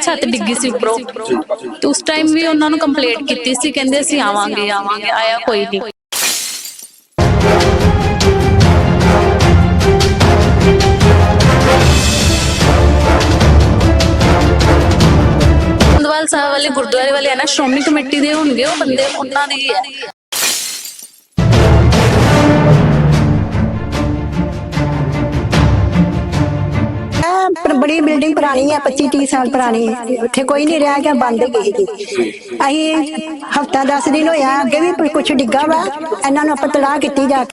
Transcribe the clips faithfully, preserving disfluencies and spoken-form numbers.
ਛੱਤ ਡਿੱਗੀ ਸੀ ਉੱਪਰੋਂ ਤੇ ਉਸ ਟਾਈਮ ਵੀ ਉਹਨਾਂ ਨੂੰ ਕੰਪਲੇਂਟ ਕੀਤੀ ਸੀ, ਕਹਿੰਦੇ ਅਸੀਂ ਆਵਾਂਗੇ ਆਵਾਂਗੇ ਆਇਆ ਕੋਈ ਨਹੀਂ। ਗੋਂਦਵਾਲ ਸਾਹਿਬ ਵਾਲੇ ਗੁਰਦੁਆਰੇ ਵਾਲੇ ਆ ਨਾ, ਸ਼੍ਰੋਮਣੀ ਕਮੇਟੀ ਦੇ ਹੋਣਗੇ ਉਹ ਬੰਦੇ, ਉਹਨਾਂ ਦੀ ਹੈ। बड़ी बिल्डिंग पुरानी है, पच्चीस तीस साल पुरानी है, उत्थे कोई नहीं रह गया, बंद गई थी। अं हफ्ता दस दिन होया, अगे भी कुछ डिग्गा वा, इन्हों आप तलाह की जाके।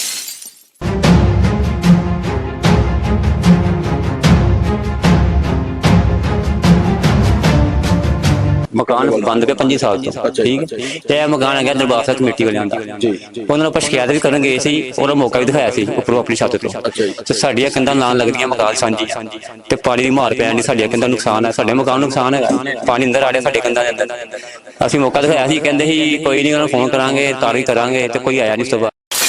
मकान बंद के पंजी साल तो ठीक है। मकान है दरबार साहब कमेटी वाले उन्होंने आप शिकायत भी करन गए सी और मौका भी दिखाया सी उपरों अपनी छत तो साडियां कंधां नाल लगदियां मकान सांझी ते पानी दी मार पैण दी साडियां कंधां नुकसान है, साडे मकान नुकसान है, पानी अंदर आ रहा साडे कंधां दे अंदर। असीं मौका दिखाया सी, कहंदे सी कोई नहीं उन्होंने फोन करांगे तारी करांगे ते कोई आया नहीं। उस तो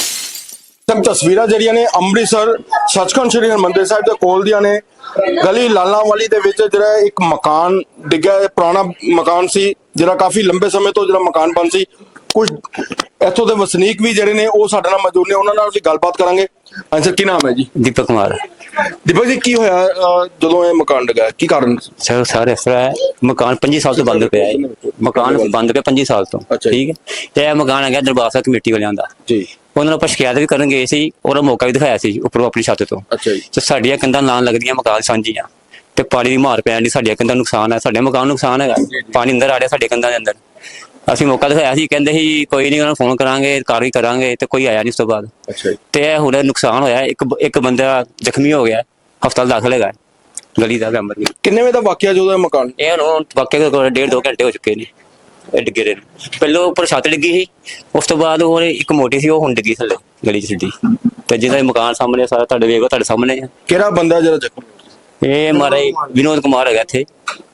बाद तस्वीरां ਜਿਹੜੀਆਂ ਨੇ ਅੰਮ੍ਰਿਤਸਰ ਸੱਚਖੰਡ ਸ੍ਰੀ ਹਰਿਮੰਦਰ ਸਾਹਿਬ ਦੇ ਕੋਲ ਦੀਆਂ ਨੇ। ਗਲੀ ਲਾਲਾਂ ਵਾਲੀ ਦੇ ਵਿੱਚ ਜਿਹੜਾ ਇੱਕ ਮਕਾਨ ਡਿੱਗਾ, ਪੁਰਾਣਾ ਮਕਾਨ ਸੀ ਜਿਹੜਾ ਕਾਫੀ ਲੰਬੇ ਸਮੇਂ ਤੋਂ ਜਿਹੜਾ ਮਕਾਨ ਬੰਦ ਸੀ। ਕੁਝ ਇੱਥੋਂ ਦੇ ਵਸਨੀਕ ਵੀ ਜਿਹੜੇ ਨੇ ਉਹ ਸਾਡੇ ਨਾਲ ਮੌਜੂਦ ਨੇ, ਉਹਨਾਂ ਨਾਲ ਵੀ ਗੱਲਬਾਤ ਕਰਾਂਗੇ। ਹਾਂਜੀ ਸਰ, ਕੀ ਨਾਮ ਹੈ ਜੀ? दीपक कुमार। ਦੀਪਕ ਜੀ, ਕੀ ਹੋਇਆ ਜਦੋਂ ਇਹ ਮਕਾਨ ਡਿੱਗਾ, ਕੀ ਕਾਰਨ? सर सर इस तरह है, मकान पंजी साल तो बंद पिया है, मकान बंद पे पंजी साल तो ठीक है। ते मकान है दरबार साहब कमेटी वालियां दा जी, उन्होंने आप शिकायत भी करन गए सी और मौका भी दिखाया सी उपरों अपनी छत तो। ते साडियां कंधां नाल लगदियां मकान सांझीआं ते पानी दी मार पैण दी साडियां कंधां नुकसान है, साडे मकान नुकसान है, पानी अंदर आ रहा साडे कंधां दे अंदर। ਅਸੀਂ ਮੌਕਾ ਦਿਖਾਇਆ ਸੀ, ਕਹਿੰਦੇ ਸੀ ਕੋਈ ਨਹੀਂ ਉਹਨਾਂ ਨੂੰ ਫੋਨ ਕਰਾਂਗੇ ਕਾਰਵਾਈ ਕਰਾਂਗੇ ਤੇ ਕੋਈ ਆਇਆ ਨਹੀਂ। ਉਸ ਤੋਂ ਬਾਅਦ ਤੇ ਹੁਣ ਨੁਕਸਾਨ ਹੋਇਆ, ਇੱਕ ਇੱਕ ਬੰਦਾ ਜ਼ਖਮੀ ਹੋ ਗਿਆ, ਹਸਪਤਾਲ ਦਾਖਲ ਹੈਗਾ ਗਲੀ ਦਾ ਮੈਂਬਰ। ਕਿੰਨੇ ਵਜੇ ਦਾ ਵਾਕਿਆ ਜਦੋਂ ਇਹ ਮਕਾਨ? ਇਹ ਹੁਣ ਵਾਕਿਆ ਕੋਲ ਡੇਢ ਦੋ ਘੰਟੇ ਹੋ ਚੁੱਕੇ ਨੇ ਇਹ ਡਿੱਗੇ ਰਹੇ ਨੇ। ਪਹਿਲਾਂ ਉੱਪਰ ਛੱਤ ਡਿੱਗੀ ਸੀ, ਉਸ ਤੋਂ ਬਾਅਦ ਉਹ ਇੱਕ ਮੋਟੀ ਸੀ ਉਹ ਹੁਣ ਡਿੱਗੀ ਥੱਲੇ ਗਲੀ ਚ ਸਿੱਧੀ। ਤੇ ਜਿਹਦਾ ਮਕਾਨ ਸਾਹਮਣੇ ਸਾਰਾ ਤੁਹਾਡੇ ਵੇਖੋ, ਤੁਹਾਡੇ ਸਾਹਮਣੇ ਆ। ਕਿਹੜਾ ਬੰਦਾ ਜਿਹੜਾ ਜ਼ਖਮੀ? ਇਹ ਮਹਾਰਾਜ ਵਿਨੋਦ ਕੁਮਾਰ ਹੈਗਾ, ਇੱਥੇ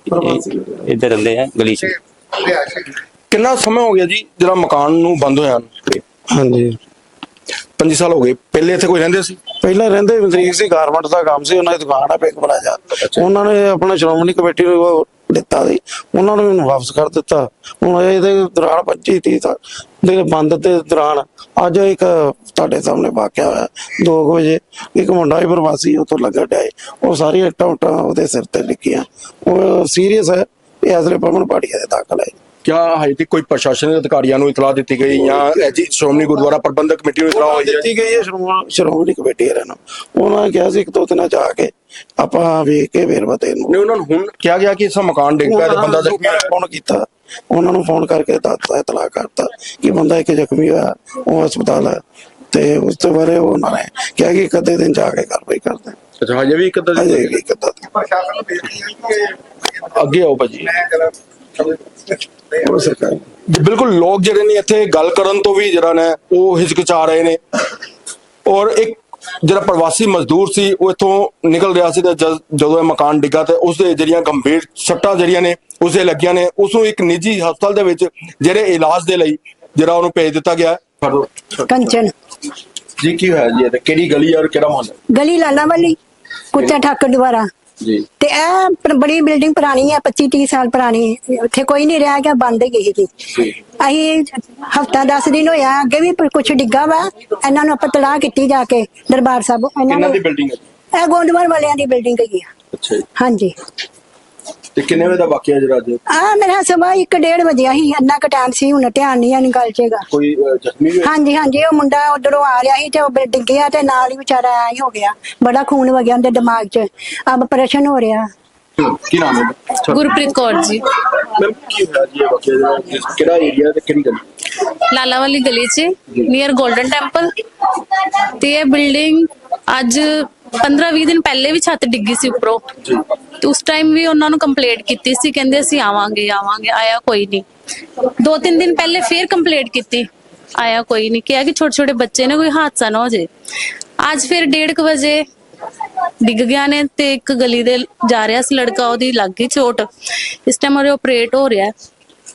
ਇੱਧਰ ਰਹਿੰਦੇ ਆ ਗਲੀ ਚ। ਕਿੰਨਾ ਸਮਾਂ ਹੋ ਗਿਆ ਜੀ ਜਿਹੜਾ ਮਕਾਨ ਨੂੰ ਬੰਦ ਹੋਇਆ? ਹਾਂਜੀ ਪੰਜੀ ਸਾਲ ਹੋ ਗਏ। ਪਹਿਲੇ ਇੱਥੇ ਕੋਈ ਰਹਿੰਦੇ ਸੀ? ਪਹਿਲਾਂ ਰਹਿੰਦੇ ਮਜ਼ਦੂਰ ਸੀ, ਗਾਰਮੈਂਟ ਦਾ ਕੰਮ ਸੀ, ਉਹਨਾਂ ਦੀ ਦੁਕਾਨ ਆ ਪਿੰਕ ਪਲਾਜ਼ਾ। ਉਹਨਾਂ ਨੇ ਆਪਣਾ ਸ਼੍ਰੋਮਣੀ ਕਮੇਟੀ ਨੂੰ ਦਿੱਤਾ ਸੀ, ਉਹਨਾਂ ਨੂੰ ਮੈਨੂੰ ਵਾਪਸ ਕਰ ਦਿੱਤਾ। ਹੁਣ ਇਹਦੇ ਦੌਰਾਨ ਪੱਚੀ ਤੀਹ ਦੇ ਬੰਦ ਦੇ ਦੌਰਾਨ ਅੱਜ ਇੱਕ ਤੁਹਾਡੇ ਸਾਹਮਣੇ ਵਾਕਿਆ ਹੋਇਆ ਦੋ ਕੁ ਵਜੇ। ਇੱਕ ਮੁੰਡਾ ਵੀ ਪ੍ਰਵਾਸੀ ਉੱਥੋਂ ਲੱਗਾ ਡਿਆ, ਉਹ ਸਾਰੀਆਂ ਇੱਟਾਂ ਉੱਟਾਂ ਉਹਦੇ ਸਿਰ ਤੇ ਡਿੱਗੀਆਂ, ਉਹ ਸੀਰੀਅਸ ਹੈ। ਇਹ ਅਸਲੇ ਪਵਨ ਪਾੜੀਆ ਦੇ ਦਾਖਲ ਹੈ। क्या हजे तक कोई प्रशासनिक अधिकारियों को इतला दी गई या श्रोमणी गुरुद्वारा प्रबंधक कमेटी को इतला दी गई है? श्रोमणी कमेटी उन्होंने कहा एक दो दिन जाके आप वेख के फिर बते क्या गया कि मकान डिग पिया बंदा जख्मी फोन किया, उन्होंने फोन करके इतला करता कि बंदा एक जख्मी हुआ वो हस्पताल है। तो उस तो बारे उन्होंने कहा कि एक अद्धे दिन जाके कार्रवाई करते। अच्छा, हजे भी एक अद्धा एक अद्धा अगे आओ भाजी। बिल्कुल लोग ਜਿਹੜੇ ਨੇ ਇੱਥੇ ਗੱਲ ਕਰਨ ਤੋਂ ਵੀ ਜਿਹੜਾ ਨੇ ਉਹ ਹਿਚਕਚਾ ਰਹੇ ਨੇ। ਔਰ ਇੱਕ ਜਿਹੜਾ ਪ੍ਰਵਾਸੀ ਮਜ਼ਦੂਰ ਸੀ ਉਹ ਇੱਥੋਂ ਨਿਕਲ ਰਿਹਾ ਸੀ ਤੇ ਜਦੋਂ ਇਹ ਮਕਾਨ ਡਿੱਗਾ ਤੇ ਉਸਦੇ ਜਿਹੜੀਆਂ ਗੰਭੀਰ ਸੱਟਾਂ ਜਿਹੜੀਆਂ ਨੇ ਉਸਦੇ ਲੱਗੀਆਂ ਨੇ, ਉਸ ਨੂੰ ਇੱਕ ਨਿੱਜੀ ਹਸਪਤਾਲ ਦੇ ਵਿੱਚ ਜਿਹੜੇ ਇਲਾਜ ਦੇ ਲਈ ਜਿਹੜਾ ਉਹਨੂੰ ਭੇਜ ਦਿੱਤਾ ਗਿਆ। ਕੰਚਨ ਜੀ, ਕੀ ਹੋਇਆ ਜੀ? ਤੇ ਕਿਹੜੀ ਗਲੀ ਔਰ ਕਿਹੜਾ ਮੁਹੱਲਾ? ਗਲੀ ਲਾਲਾ ਵਾਲੀ, ਕੁੱਤਾ ਠਾਕਰ ਦੁਆਰਾ जी। ते ए बड़ी बिल्डिंग पुरानी है, पच्चीस तीस साल पुरानी है, उत्थे कोई नहीं रह गया, बंद गई थी। अं हफ्ता दस दिन होया, अगे भी कुछ डिग्गा वा, इन्हों आप तलाह की जाके दरबार साहब। ए गोंदवाल वालियां दी बिल्डिंग है। अच्छा, हाँ जी। ਤੇ ਕਿੰਨੇ ਵਜੇ ਦਾ ਵਾਕਿਆ ਜਿਹੜਾ ਅੱਜ? ਆ ਮੇਰਾ ਸਵਾ ਇੱਕ ਡੇਢ ਵਜੇ ਸੀ, ਇੰਨਾ ਕੁ ਟਾਈਮ ਸੀ, ਹੁਣ ਧਿਆਨ ਨਹੀਂ ਆਣੀ ਗੱਲ ਚੇਗਾ। ਕੋਈ ਜ਼ਖਮੀ ਵੀ? ਹਾਂਜੀ ਹਾਂਜੀ, ਉਹ ਮੁੰਡਾ ਉਧਰੋਂ ਆ ਰਿਹਾ ਸੀ ਤੇ ਉਹ ਡਿੱਗਿਆ ਤੇ ਨਾਲ ਹੀ ਵਿਚਾਰਾ ਐ ਹੀ ਹੋ ਗਿਆ, ਬੜਾ ਖੂਨ ਵਗਿਆ ਉਹਦੇ ਦਿਮਾਗ 'ਚ, ਅਬ ਆਪਰੇਸ਼ਨ ਹੋ ਰਿਹਾ। ਕੀ ਨਾਮ ਹੈ? ਗੁਰਪ੍ਰੀਤ ਕੌਰ ਜੀ। ਮੈਮ, ਕੀ ਹੋਇਆ ਜੀ ਇਹ ਵਾਕਿਆ? ਕਿਹੜਾ ਏਰੀਆ ਤੇ ਕਿਹੜੀ ਗਲੀ? ਲਾਲਾ ਵਾਲੀ ਗਲੀ 'ਚ ਨੀਅਰ ਗੋਲਡਨ ਟੈਂਪਲ। ਤੇ ਇਹ ਬਿਲਡਿੰਗ ਅੱਜ पंद्रह बीस दिन पहले भी छत डिग्गी सी उपरों तो उस टाइम भी उन्होंने कंप्लेंट की सी, कहंदे असीं आवांगे आवांगे आया कोई नहीं। दो तीन दिन पहले फिर कंप्लेंट की, आया कोई नहीं। क्या कि छोटे छोटे बच्चे ने कोई हादसा ना हो जाए। आज फिर डेढ़ क बजे डिग गया ने ते एक गली दे जा रहा सी लड़का, ओदी लग गई चोट। इस टाइम ओरे ऑपरेट हो रहा है।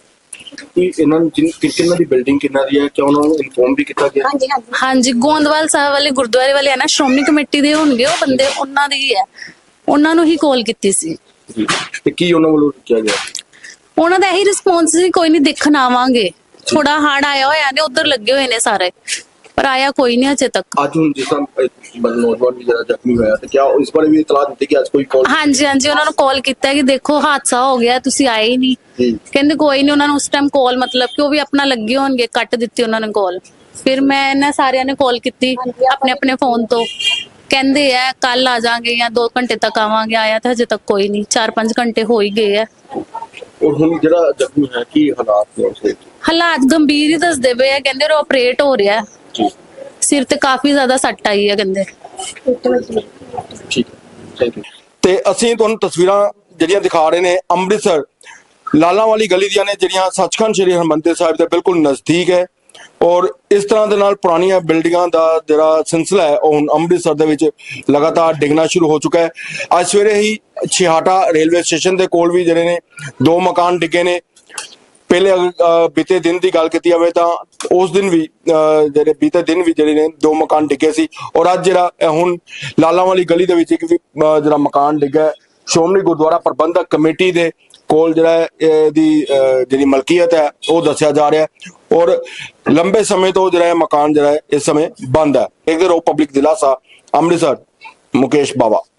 हाँ जी, गोंदवाल साहब वाले गुरुद्वारे वाले है ना, श्रोमणी कमेटी दे होणगे ਉਹ ਬੰਦੇ, ਉਹਨਾਂ ਦੀ ਹੈ, ਉਹਨਾਂ ਨੂੰ ਹੀ ਕਾਲ ਕੀਤੀ ਸੀ। ਜੀ ਤੇ ਕੀ ਉਹਨਾਂ ਵੱਲੋਂ ਕਿਹਾ ਗਿਆ? ਉਹਨਾਂ ਦਾ ਇਹੀ ਰਿਸਪੌਂਸ ਸੀ, ਕੋਈ ਨਹੀਂ ਦੇਖਣ ਆਵਾਂਗੇ, ਥੋੜਾ ਹੜ ਆਇਆ ਹੋਇਆ ਨੇ, ਉਧਰ ਲੱਗੇ ਹੋਏ ਨੇ ਸਾਰੇ, ਪਰ ਆਇਆ ਕੋਈ ਨਹੀਂ ਅਜੇ ਤੱਕ। ਅੱਜ ਹੁਣ ਜਿਸ ਤਰ੍ਹਾਂ ਨੌਜਵਾਨ ਵੀ ਜਿਹੜਾ ਜ਼ਖਮੀ ਹੋਇਆ ਤੇ ਕਿਆ ਇਸ ਬਾਰੇ ਵੀ ਇਤਲਾਹ ਦਿੱਤੀ ਕਿ ਅੱਜ ਕੋਈ ਕਾਲ? ਹਾਂਜੀ ਹਾਂਜੀ, ਉਹਨਾਂ ਨੂੰ ਕਾਲ ਕੀਤਾ ਕਿ ਦੇਖੋ ਹਾਦਸਾ ਹੋ ਗਿਆ, ਤੁਸੀਂ ਆਏ ਹੀ ਨਹੀਂ। ਜੀ ਕਹਿੰਦੇ ਕੋਈ ਨਹੀਂ, ਉਹਨਾਂ ਨੂੰ ਉਸ ਟਾਈਮ ਕਾਲ, ਮਤਲਬ ਕਿ ਉਹ ਵੀ ਆਪਣਾ ਲੱਗੇ ਹੋਣਗੇ, ਕੱਟ ਦਿੱਤੀ ਉਹਨਾਂ ਨੇ ਕਾਲ। ਫਿਰ ਮੈਂ ਇਹਨਾਂ ਸਾਰਿਆਂ ਨੇ ਕਾਲ ਕੀਤੀ ਆਪਣੇ ਆਪਣੇ ਫੋਨ ਤੋਂ, ਕਹਿੰਦੇ ਆ ਕੱਲ ਆ ਜਾਾਂਗੇ ਜਾਂ ਦੋ ਘੰਟੇ ਤੱਕ ਆਵਾਂਗੇ। ਆਇਆ ਤਾਂ ਹਜੇ ਤੱਕ ਕੋਈ ਨਹੀਂ, ਚਾਰ ਪੰਜ ਘੰਟੇ ਹੋ ਹੀ ਗਏ ਆ। ਔਰ ਹੁਣ ਜਿਹੜਾ ਜ਼ਖਮੀ ਹੈ ਕੀ ਹਾਲਾਤ ਨੇ ਉਸਦੇ? ਹਾਲਾਤ ਗੰਭੀਰ ਹੀ ਦੱਸਦੇ ਪਏ ਆ, ਕਹਿੰਦੇ ਉਹ ਆਪਰੇਟ ਹੋ ਰਿਹਾ, ਜੀ ਸਿਰ ਤੇ ਕਾਫੀ ਜ਼ਿਆਦਾ ਸੱਟ ਆਈ ਹੈ ਕਹਿੰਦੇ। ਠੀਕ ਥੈਂਕ ਯੂ। ਤੇ ਅਸੀਂ ਤੁਹਾਨੂੰ ਤਸਵੀਰਾਂ ਜਿਹੜੀਆਂ ਦਿਖਾ ਰਹੇ ਨੇ ਅੰਮ੍ਰਿਤਸਰ ਲਾਲਾਂ ਵਾਲੀ ਗਲੀ ਦੀਆਂ ਨੇ, ਜਿਹੜੀਆਂ ਸੱਚਖੰਡ ਸ੍ਰੀ ਹਰਿਮੰਦਰ ਸਾਹਿਬ ਦੇ ਬਿਲਕੁਲ ਨਜ਼ਦੀਕ ਹੈ। ਔਰ ਇਸ ਤਰ੍ਹਾਂ ਦੇ ਨਾਲ ਪੁਰਾਣੀਆਂ ਬਿਲਡਿੰਗਾਂ ਦਾ ਜਿਹੜਾ ਸਿਲਸਿਲਾ ਹੈ ਉਹ ਹੁਣ ਅੰਮ੍ਰਿਤਸਰ ਦੇ ਵਿੱਚ ਲਗਾਤਾਰ ਡਿੱਗਣਾ ਸ਼ੁਰੂ ਹੋ ਚੁੱਕਾ ਹੈ। ਅੱਜ ਸਵੇਰੇ ਹੀ ਛਿਹਾਟਾ ਰੇਲਵੇ ਸਟੇਸ਼ਨ ਦੇ ਕੋਲ ਵੀ ਜਿਹੜੇ ਨੇ ਦੋ ਮਕਾਨ ਡਿੱਗੇ ਨੇ। ਪਹਿਲੇ ਬੀਤੇ ਦਿਨ ਦੀ ਗੱਲ ਕੀਤੀ ਜਾਵੇ ਤਾਂ ਉਸ ਦਿਨ ਵੀ ਜਿਹੜੇ ਬੀਤੇ ਦਿਨ ਵੀ ਜਿਹੜੇ ਨੇ ਦੋ ਮਕਾਨ ਡਿੱਗੇ ਸੀ। ਔਰ ਅੱਜ ਜਿਹੜਾ ਹੁਣ ਲਾਲਾਂ ਵਾਲੀ ਗਲੀ ਦੇ ਵਿੱਚ ਇੱਕ ਵੀ ਜਿਹੜਾ ਮਕਾਨ ਡਿੱਗਾ ਸ਼੍ਰੋਮਣੀ ਗੁਰਦੁਆਰਾ ਪ੍ਰਬੰਧਕ ਕਮੇਟੀ ਦੇ ਕੋਲ ਜਿਹੜਾ ਇਹਦੀ ਜਿਹੜੀ ਮਲਕੀਅਤ ਹੈ ਉਹ ਦੱਸਿਆ ਜਾ ਰਿਹਾ ਹੈ। ਔਰ ਲੰਬੇ ਸਮੇਂ ਤੋਂ ਜਿਹੜਾ ਮਕਾਨ ਜਿਹੜਾ ਇਸ ਸਮੇਂ ਬੰਦ ਹੈ। ਇੱਕ ਰੋ ਪਬਲਿਕ ਦਿਲਾਸਾ ਅੰਮ੍ਰਿਤਸਰ, ਮੁਕੇਸ਼ ਬਾਵਾ।